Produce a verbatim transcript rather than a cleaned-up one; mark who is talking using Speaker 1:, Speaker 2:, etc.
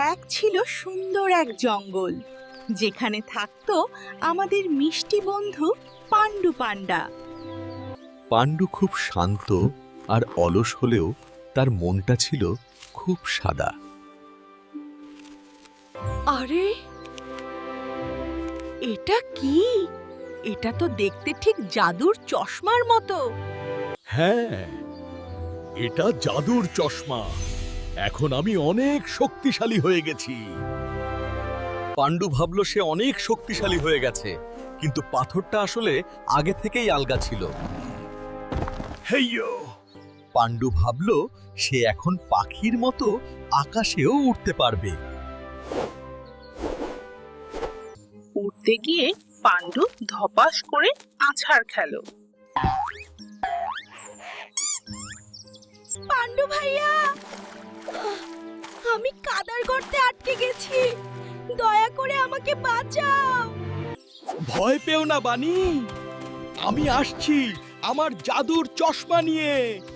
Speaker 1: এক ছিল সুন্দর এক জঙ্গল, যেখানে থাকতো আমাদের মিষ্টি বন্ধু পাণ্ডু পান্ডা।
Speaker 2: পাণ্ডু খুব শান্ত আর অলস হলেও তার মনটা ছিল খুব সাদা।
Speaker 1: আরে, এটা কি? এটা তো দেখতে ঠিক জাদুর চশমার মতো।
Speaker 3: হ্যাঁ, এটা জাদুর চশমা। এখন আমি অনেক শক্তিশালী হয়ে গেছি।
Speaker 2: পাণ্ডু ভাবল সে অনেক শক্তিশালী হয়ে গেছে, কিন্তু পাথরটা আসলে আগে থেকেই আলগা ছিল।
Speaker 3: হেইয়ো!
Speaker 2: পাণ্ডু ভাবল সে এখন পাখির মতো আকাশেও উঠতে পারবে।
Speaker 1: উঠতে গিয়ে পাণ্ডু ধপাস করে আছাড় খেল। পাণ্ডু ভাইয়া, আমি কাদার গর্তে আটকে গেছি, দয়া করে আমাকে বাঁচাও।
Speaker 3: ভয় পেও না বানি, আমি আসছি আমার জাদুর চশমা নিয়ে।